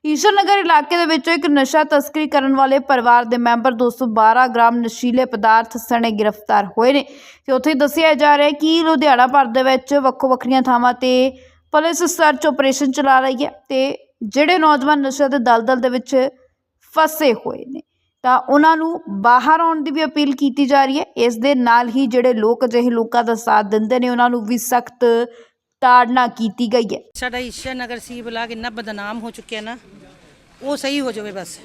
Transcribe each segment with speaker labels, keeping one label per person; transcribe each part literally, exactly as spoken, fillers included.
Speaker 1: ईश्वर नगर इलाके दे विचों एक नशा तस्करी करन वाले परिवार दे मैंबर दो सौ बारह ग्राम नशीले पदार्थ सने गिरफ्तार होए ने ते उत्थे दस्सिया जा रहा है कि लुधियाना भर दे विच वक्खो वक्खरियां थावां ते पुलिस सर्च ऑपरेशन चला रही है ते जिहड़े नौजवान नशे दे दलदल दे विच फसे होए ने ਤਾਂ ਉਹਨਾਂ ਨੂੰ ਬਾਹਰ ਆਉਣ ਦੀ ਵੀ ਅਪੀਲ ਕੀਤੀ ਜਾ ਰਹੀ ਹੈ। ਇਸ ਦੇ ਨਾਲ ਹੀ ਜਿਹੜੇ ਲੋਕ ਅਜਿਹੇ ਲੋਕਾਂ ਦਾ ਸਾਥ ਦਿੰਦੇ ਨੇ ਉਹਨਾਂ ਨੂੰ ਵੀ ਸਖਤ ਤਾੜਨਾ ਕੀਤੀ ਗਈ ਹੈ।
Speaker 2: ਸਾਡਾ ਈਸ਼ਰ ਨਗਰ ਸੀ ਬਲਾਕ ਇੰਨਾ ਬਦਨਾਮ ਹੋ ਚੁੱਕਿਆ ਨਾ, ਉਹ ਸਹੀ ਹੋ ਜਾਵੇ ਬਸ।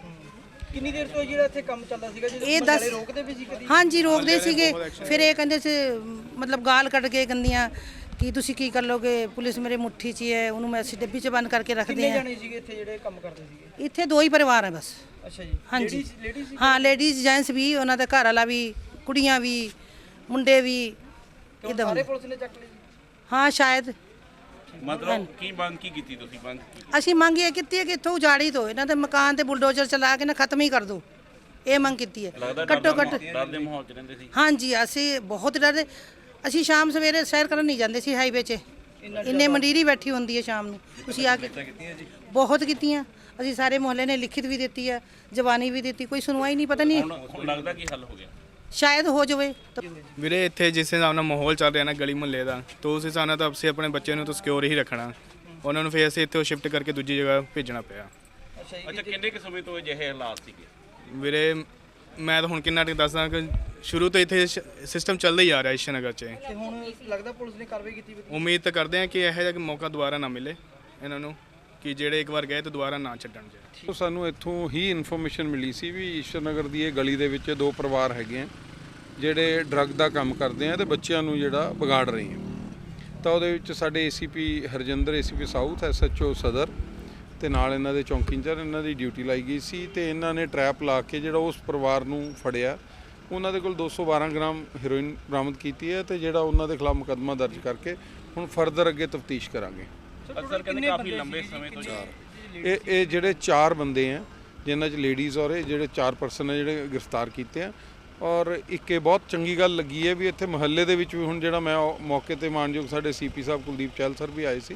Speaker 3: ਕਿੰਨੀ ਦੇਰ ਤੋਂ ਜਿਹੜਾ ਇੱਥੇ ਕੰਮ ਚੱਲਦਾ ਸੀਗਾ ਜਿਹੜੇ
Speaker 2: ਇਹ ਦੱਸ
Speaker 3: ਰੋਕਦੇ ਵੀ ਸੀ ਕਦੀ?
Speaker 2: ਹਾਂਜੀ ਰੋਕਦੇ ਸੀਗੇ, ਫਿਰ ਇਹ ਕਹਿੰਦੇ ਸੀ ਮਤਲਬ ਗਾਲ ਕੱਢ ਕੇ ਗੰਦੀਆਂ ਕਿ ਤੁਸੀਂ ਕੀ ਕਰ ਲੋਗੇ, ਪੁਲਿਸ ਮੇਰੇ ਮੁੱਠੀ 'ਚ ਹੀ ਹੈ, ਉਹਨੂੰ ਮੈਂ ਅਸੀਂ ਡੱਬੀ 'ਚ ਬੰਦ ਕਰਕੇ ਰੱਖਦੇ
Speaker 3: ਕਿੰਨੇ
Speaker 2: ਹਾਂ।
Speaker 3: ਜਾਣੇ ਸੀਗੇ ਇੱਥੇ ਜਿਹੜੇ ਕੰਮ ਕਰਦੇ ਸੀਗੇ?
Speaker 2: ਇੱਥੇ ਦੋ ਹੀ ਪਰਿਵਾਰ ਹੈ ਬਸ।
Speaker 3: ਅੱਛਾ ਜੀ,
Speaker 2: ਹਾਂਜੀ
Speaker 3: ਲੇਡੀਜ਼
Speaker 2: ਹਾਂ, ਲੇਡੀਜ਼ ਜੈਂਟਸ ਵੀ, ਉਹਨਾਂ ਦਾ ਘਰ ਵਾਲਾ ਵੀ, ਕੁੜੀਆਂ ਵੀ, ਮੁੰਡੇ ਵੀ ਇਦਾਂ।
Speaker 3: ਸਾਰੇ ਪੁਲਿਸ ਨੇ ਚੱਕ ਲਏ?
Speaker 2: ਹਾਂ ਸ਼ਾਇਦ।
Speaker 4: ਮਤਲਬ ਕੀ ਮੰਗ ਕੀ ਕੀਤੀ ਤੁਸੀਂ? ਮੰਗ
Speaker 2: ਅਸੀਂ ਮੰਗ ਇਹ ਕੀਤੀ ਹੈ ਕਿ ਇੱਥੋਂ ਉਜਾੜੀ ਦਿਓ, ਇਹਨਾਂ ਦੇ ਮਕਾਨ ਤੇ ਬੁਲਡੋਜ਼ਰ ਚਲਾ ਕੇ ਨਾ ਖਤਮ ਹੀ ਕਰ ਦਿਓ, ਇਹ ਮੰਗ ਕੀਤੀ ਹੈ। ਘੱਟੋ ਘੱਟ
Speaker 4: ਡਰ ਦੇ ਮਾਹੌਲ 'ਚ ਰਹਿੰਦੇ ਸੀ।
Speaker 2: ਹਾਂਜੀ ਅਸੀਂ ਬਹੁਤ ਡਰਦੇ। ਅਸੀਂ ਸ਼ਾਮ ਸਵੇਰੇ ਸੈਰ ਕਰਨ ਨਹੀਂ ਜਾਂਦੇ ਸੀ ਹਾਈਵੇ 'ਚ, ਇੰਨੇ ਮੰਡੀਰੀ ਬੈਠੀ ਹੁੰਦੀ ਹੈ ਸ਼ਾਮ ਨੂੰ। ਤੁਸੀਂ ਆ ਕੇ ਬਹੁਤ ਕੀਤੀਆਂ, ਅਸੀਂ ਸਾਰੇ ਮੁਹੱਲੇ ਨੇ ਲਿਖਿਤ ਵੀ ਦਿੱਤੀ ਹੈ, ਜ਼ਬਾਨੀ ਵੀ ਦਿੱਤੀ, ਕੋਈ ਸੁਣਵਾਈ ਨਹੀਂ। ਪਤਾ ਨਹੀਂ
Speaker 4: ਹੁਣ ਲੱਗਦਾ ਕੀ ਹੱਲ ਹੋ ਗਿਆ?
Speaker 2: ਸ਼ਾਇਦ ਹੋ ਜਾਵੇ।
Speaker 5: ਵੀਰੇ ਇੱਥੇ ਜਿਸ ਹਿਸਾਬ ਨਾਲ ਮਾਹੌਲ ਚੱਲ ਰਿਹਾ ਨਾ ਗਲੀ ਮੁਹੱਲੇ ਦਾ, ਤਾਂ ਉਸ ਹਿਸਾਬ ਨਾਲ ਤਾਂ ਅਸੀਂ ਆਪਣੇ ਬੱਚੇ ਨੂੰ ਤਾਂ ਸਿਕਿਉਰ ਹੀ ਰੱਖਣਾ, ਉਹਨਾਂ ਨੂੰ ਫਿਰ ਅਸੀਂ ਇੱਥੋਂ ਸ਼ਿਫਟ ਕਰਕੇ ਦੂਜੀ ਜਗ੍ਹਾ ਭੇਜਣਾ ਪਿਆ।
Speaker 4: ਅੱਛਾ, ਕਿੰਨੇ ਕੁ ਸਮੇਂ ਤੋਂ ਅਜਿਹੇ ਹਾਲਾਤ ਸੀਗੇ?
Speaker 5: ਵੀਰੇ ਮੈਂ ਤਾਂ ਹੁਣ ਕਿੰਨਾ ਟਿਕ ਦੱਸਦਾ ਕਿ ਸ਼ੁਰੂ ਤੋਂ ਇੱਥੇ ਸਿਸਟਮ ਚੱਲਦਾ ਹੀ ਆ ਰਿਹਾ ਈਸ਼ਰ ਨਗਰ 'ਚ।
Speaker 3: ਤੇ ਹੁਣ ਲੱਗਦਾ ਪੁਲਿਸ ਨੇ ਕਾਰਵਾਈ ਕੀਤੀ?
Speaker 5: ਉਮੀਦ ਤਾਂ ਕਰਦੇ ਹਾਂ ਕਿ ਇਹੋ ਜਿਹਾ ਮੌਕਾ ਦੁਬਾਰਾ ਨਾ ਮਿਲੇ ਇਹਨਾਂ ਨੂੰ, ਕਿ ਜਿਹੜੇ ਇੱਕ ਵਾਰ ਗਏ ਤਾਂ ਦੁਬਾਰਾ ਨਾ ਛੱਡਣ ਜੇ।
Speaker 6: ਸਾਨੂੰ ਇੱਥੋਂ ਹੀ ਇਨਫੋਰਮੇਸ਼ਨ ਮਿਲੀ ਸੀ ਵੀ ਈਸ਼ਰ ਨਗਰ ਦੀ ਇਹ ਗਲੀ ਦੇ ਵਿੱਚ ਦੋ ਪਰਿਵਾਰ ਹੈਗੇ ਆ ਜਿਹੜੇ ਡਰੱਗ ਦਾ ਕੰਮ ਕਰਦੇ ਆ ਤੇ ਬੱਚਿਆਂ ਨੂੰ ਜਿਹੜਾ ਵਿਗਾੜ ਰਹੇ ਆ। ਤਾਂ ਉਹਦੇ ਵਿੱਚ ਸਾਡੇ ACP Harjinder, ACP south, SHO ਸਦਰ ਤੇ ਨਾਲ ਇਹਨਾਂ ਦੇ ਚੌਂਕੀ ਇੰਚਾਰਜ, ਇਹਨਾਂ ਦੀ ਡਿਊਟੀ ਲਾਈ ਗਈ ਸੀ ਤੇ ਇਹਨਾਂ ਨੇ ਟਰੈਪ ਲਾ ਕੇ ਜਿਹੜਾ ਉਸ ਪਰਿਵਾਰ ਨੂੰ ਫੜਿਆ। ਉਹਨਾਂ ਦੇ ਕੋਲ ਦੋ ਸੌ ਬਾਰ੍ਹਾਂ ਗ੍ਰਾਮ ਹੈਰੋਇਨ ਬਰਾਮਦ ਕੀਤੀ ਹੈ ਤੇ ਜਿਹੜਾ ਉਹਨਾਂ ਦੇ ਖਿਲਾਫ ਮੁਕੱਦਮਾ ਦਰਜ ਕਰਕੇ ਹੁਣ ਫਰਦਰ ਅੱਗੇ ਤਫਤੀਸ਼ ਕਰਾਂਗੇ।
Speaker 4: ਅਸਰ ਕਹਿੰਦੇ ਕਾਫੀ ਲੰਬੇ ਸਮੇਂ ਤੋਂ
Speaker 6: ਇਹ ਇਹ ਜਿਹੜੇ ਚਾਰ ਬੰਦੇ ਆ ਜਿਨ੍ਹਾਂ 'ਚ ਲੇਡੀਜ਼ ਔਰ ਇਹ ਜਿਹੜੇ ਚਾਰ ਪਰਸਨ ਆ ਜਿਹੜੇ ਗ੍ਰਿਫਤਾਰ ਕੀਤੇ ਆ। ਔਰ ਇੱਕ ਇਹ ਬਹੁਤ ਚੰਗੀ ਗੱਲ ਲੱਗੀ ਹੈ ਵੀ ਇੱਥੇ ਮੁਹੱਲੇ ਦੇ ਵਿੱਚ ਵੀ ਹੁਣ ਜਿਹੜਾ ਮੈਂ ਮੌਕੇ 'ਤੇ ਮਾਨਯੋਗ ਸਾਡੇ ਸੀਪੀ ਸਾਹਿਬ ਕੁਲਦੀਪ ਚਹਿਲ ਸਰ ਵੀ ਆਏ ਸੀ,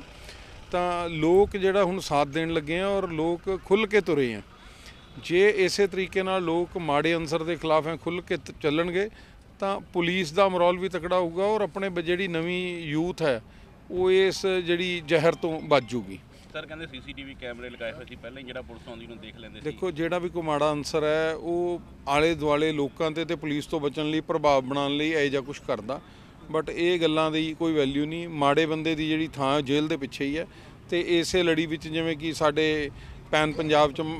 Speaker 6: ਤਾਂ ਲੋਕ ਜਿਹੜਾ ਹੁਣ ਸਾਥ ਦੇਣ ਲੱਗੇ ਆ ਔਰ ਲੋਕ ਖੁੱਲ੍ਹ ਕੇ ਤੁਰੇ ਆ। ਜੇ ਇਸੇ ਤਰੀਕੇ ਨਾਲ ਲੋਕ ਮਾੜੇ ਅਨਸਰ ਦੇ ਖਿਲਾਫ ਹੈ ਖੁੱਲ੍ਹ ਕੇ ਚੱਲਣਗੇ ਤਾਂ ਪੁਲਿਸ ਦਾ ਮਰੋਲ ਵੀ ਤਕੜਾ ਹੋਊਗਾ ਔਰ ਆਪਣੇ ਜਿਹੜੀ ਨਵੀਂ ਯੂਥ ਹੈ ਉਹ ਇਸ ਜਿਹੜੀ ਜ਼ਹਿਰ ਤੋਂ ਬਚ ਜੂਗੀ।
Speaker 4: ਸਰ ਕਹਿੰਦੇ ਸੀਸੀਟੀਵੀ ਕੈਮਰੇ ਲਗਾਏ ਹੋਏ ਸੀ ਪਹਿਲਾਂ ਹੀ, ਜਿਹੜਾ ਪੁਲਿਸ ਆਉਂਦੀ ਨੂੰ ਦੇਖ ਲੈਂਦੇ ਸੀ।
Speaker 6: ਦੇਖੋ ਜਿਹੜਾ ਵੀ ਕੋਈ ਮਾੜਾ ਅਨਸਰ ਹੈ ਉਹ ਆਲੇ ਦੁਆਲੇ ਲੋਕਾਂ 'ਤੇ ਤੇ ਪੁਲਿਸ ਤੋਂ ਬਚਣ ਲਈ, ਪ੍ਰਭਾਵ ਬਣਾਉਣ ਲਈ ਇਹੋ ਜਿਹਾ ਕੁਛ ਕਰਦਾ, ਬਟ ਇਹ ਗੱਲਾਂ ਦੀ ਕੋਈ ਵੈਲਿਊ ਨਹੀਂ। ਮਾੜੇ ਬੰਦੇ ਦੀ ਜਿਹੜੀ ਥਾਂ ਜੇਲ੍ਹ ਦੇ ਪਿੱਛੇ ਹੀ ਹੈ ਤੇ ਇਸੇ ਲੜੀ ਵਿੱਚ ਜਿਵੇਂ ਕਿ ਸਾਡੇ ਪੈਨ ਪੰਜਾਬ 'ਚ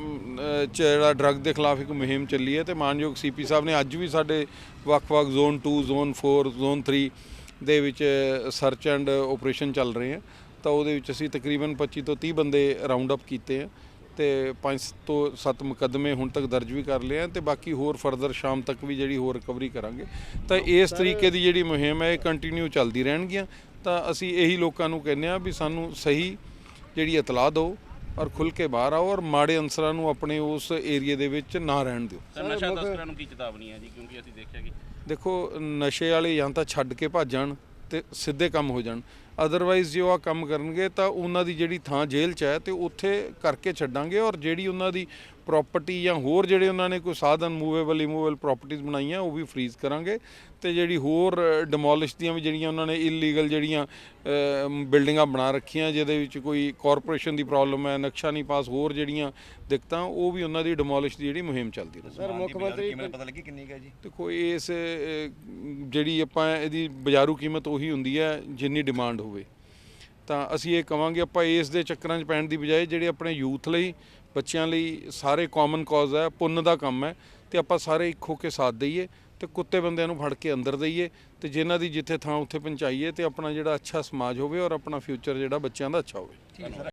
Speaker 6: ਜਿਹੜਾ ਡਰੱਗ ਦੇ ਖਿਲਾਫ ਇੱਕ ਮੁਹਿੰਮ ਚੱਲੀ ਹੈ ਤੇ ਮਾਨਯੋਗ ਸੀਪੀ ਸਾਹਿਬ ਨੇ ਅੱਜ ਵੀ ਸਾਡੇ ਵੱਖ-ਵੱਖ zone two, zone four, zone three ਦੇ ਵਿੱਚ ਸਰਚ ਐਂਡ ਆਪਰੇਸ਼ਨ ਚੱਲ ਰਹੇ ਆ। ਤਾਂ ਉਹਦੇ ਵਿੱਚ ਅਸੀਂ ਤਕਰੀਬਨ ਪੱਚੀ ਤੋਂ ਤੀਹ ਬੰਦੇ ਰਾਉਂਡ ਅਪ ਕੀਤੇ ਆ ਤੇ ਪੰਜ ਤੋਂ ਸੱਤ ਮੁਕੱਦਮੇ ਹੁਣ ਤੱਕ ਦਰਜ ਵੀ ਕਰ ਲਏ ਆ ਤੇ ਬਾਕੀ ਹੋਰ ਫਰਦਰ ਸ਼ਾਮ ਤੱਕ ਵੀ ਜਿਹੜੀ ਹੋਰ ਰਿਕਵਰੀ ਕਰਾਂਗੇ। ਤਾਂ ਇਸ ਤਰੀਕੇ ਦੀ ਜਿਹੜੀ ਮੁਹਿੰਮ ਹੈ ਇਹ ਕੰਟੀਨਿਊ ਚੱਲਦੀ ਰਹਿਣਗੀਆਂ। ਤਾਂ ਅਸੀਂ ਇਹੀ ਲੋਕਾਂ ਨੂੰ ਕਹਿੰਦੇ ਆ ਵੀ ਸਾਨੂੰ ਸਹੀ ਜਿਹੜੀ ਇਤਲਾਹ ਦਿਓ ਔਰ ਖੁੱਲ੍ਹ ਕੇ ਬਾਹਰ ਆਓ ਔਰ ਮਾੜੇ ਅਨਸਰਾਂ ਨੂੰ ਆਪਣੇ ਉਸ ਏਰੀਏ ਦੇ ਵਿੱਚ ਨਾ ਰਹਿਣ ਦਿਓ।
Speaker 4: ਨਸ਼ਾ ਤਸਕਰਾਂ ਨੂੰ ਕੀ ਚੇਤਾਵਨੀ ਹੈ ਜੀ? ਕਿਉਂਕਿ ਅਸੀਂ ਦੇਖਿਆ ਕਿ
Speaker 6: ਦੇਖੋ ਨਸ਼ੇ ਵਾਲੇ ਜਾਂ ਤਾਂ ਛੱਡ ਕੇ ਭੱਜ ਜਾਣ ਤੇ ਸਿੱਧੇ ਕੰਮ ਹੋ ਜਾਣ, ਅਦਰਵਾਈਜ਼ ਜੇ ਉਹ ਆ ਕੰਮ ਕਰਨਗੇ ਤਾਂ ਉਹਨਾਂ ਦੀ ਜਿਹੜੀ ਥਾਂ ਜੇਲ੍ਹ 'ਚ ਹੈ ਤੇ ਉੱਥੇ ਕਰਕੇ ਛੱਡਾਂਗੇ ਔਰ ਜਿਹੜੀ ਉਹਨਾਂ ਦੀ ਪ੍ਰੋਪਰਟੀ ਜਾਂ ਹੋਰ ਜਿਹੜੇ ਉਹਨਾਂ ਨੇ ਕੋਈ ਸਾਧਨ ਮੂਵੇਬਲ ਇਮੂਵੇਬਲ ਪ੍ਰੋਪਰਟੀਜ਼ ਬਣਾਈਆਂ ਉਹ ਵੀ ਫਰੀਜ਼ ਕਰਾਂਗੇ ਤੇ ਜਿਹੜੀ ਹੋਰ ਡਿਮੋਲਿਸ਼ ਦੀਆਂ ਵੀ ਜਿਹੜੀਆਂ ਉਹਨਾਂ ਨੇ ਇਲੀਗਲ ਜਿਹੜੀਆਂ ਬਿਲਡਿੰਗਾਂ ਬਣਾ ਰੱਖੀਆਂ ਜਿਹਦੇ ਵਿੱਚ ਕੋਈ ਕਾਰਪੋਰੇਸ਼ਨ ਦੀ ਪ੍ਰੋਬਲਮ ਹੈ, ਨਕਸ਼ਾ ਨਹੀਂ ਪਾਸ, ਹੋਰ ਜਿਹੜੀਆਂ ਦਿੱਕਤਾਂ ਉਹ ਵੀ ਉਹਨਾਂ ਦੀ ਡਿਮੋਲਿਸ਼ ਦੀ ਜਿਹੜੀ ਮੁਹਿੰਮ ਚੱਲਦੀ ਰਹੇ।
Speaker 3: ਸਰ ਮੁੱਖ ਮੰਤਰੀ ਕਿਵੇਂ ਪਤਾ ਲੱਗੀ ਕਿੰਨੀ ਹੈ ਜੀ?
Speaker 6: ਦੇਖੋ ਇਸ ਜਿਹੜੀ ਆਪਾਂ ਇਹਦੀ ਬਾਜ਼ਾਰੂ ਕੀਮਤ ਉਹੀ ਹੁੰਦੀ ਹੈ ਜਿੰਨੀ ਡਿਮਾਂਡ ਹੋਵੇ। ਤਾਂ ਅਸੀਂ ਇਹ ਕਵਾਂਗੇ ਆਪਾਂ ਇਸ ਦੇ ਚੱਕਰਾਂ 'ਚ ਪੈਣ ਦੀ ਬਜਾਏ ਜਿਹੜੇ ਆਪਣੇ ਯੂਥ ਲਈ, ਬੱਚਿਆਂ ਲਈ ਸਾਰੇ ਕਾਮਨ ਕਾਜ਼ ਹੈ, ਪੁੰਨ ਦਾ ਕੰਮ ਹੈ ਤੇ ਆਪਾਂ ਸਾਰੇ ਇੱਕ ਹੋ ਕੇ ਸਾਥ ਦਈਏ ਤੇ ਕੁੱਤੇ ਬੰਦਿਆਂ ਨੂੰ ਫੜ ਕੇ ਅੰਦਰ ਦਈਏ ਤੇ ਜਿਨ੍ਹਾਂ ਦੀ ਜਿੱਥੇ ਥਾਂ ਉੱਥੇ ਪਹੁੰਚਾਈਏ ਤੇ ਆਪਣਾ ਜਿਹੜਾ ਅੱਛਾ ਸਮਾਜ ਹੋਵੇ ਔਰ ਆਪਣਾ ਫਿਊਚਰ ਜਿਹੜਾ ਬੱਚਿਆਂ ਦਾ ਅੱਛਾ ਹੋਵੇ।